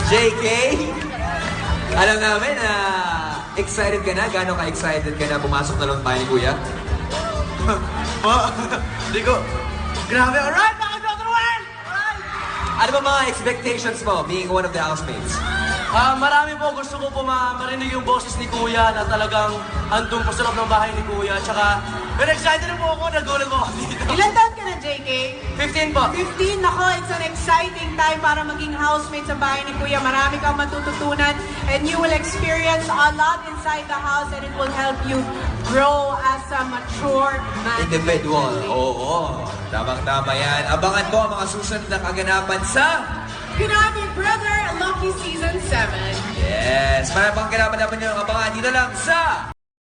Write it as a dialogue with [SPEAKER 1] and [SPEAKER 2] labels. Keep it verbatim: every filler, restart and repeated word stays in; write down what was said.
[SPEAKER 1] J K, alam namin na excited ka na. Gano'n ka-excited ka na pumasok na lang tayo ni Kuya?
[SPEAKER 2] Hindi ko. Grabe, alright, mga Doctor Wen! Alright!
[SPEAKER 1] Ano ba mga expectations mo being one of the housemates?
[SPEAKER 2] Ah, marami po gusto ko po ma marinig yung boses ni Kuya na talagang andun po sa loob ng bahay ni Kuya. Tsaka, very excited na po ako, nagulat po ako dito.
[SPEAKER 3] Ilan taon ka na, J K?
[SPEAKER 2] fifteen po.
[SPEAKER 3] fifteen, nako, it's an exciting time para maging housemate sa bahay ni Kuya. Marami kang matututunan and you will experience a lot inside the house and it will help you grow as a mature man.
[SPEAKER 1] Individual. Oo, tamang-tama yan. Abangan po ang mga susunod na kaganapan sa...
[SPEAKER 3] Grabe, Brother Lucky Season seven.
[SPEAKER 1] Yes, marami pang kaganapan naman yung abangan dito lang sa...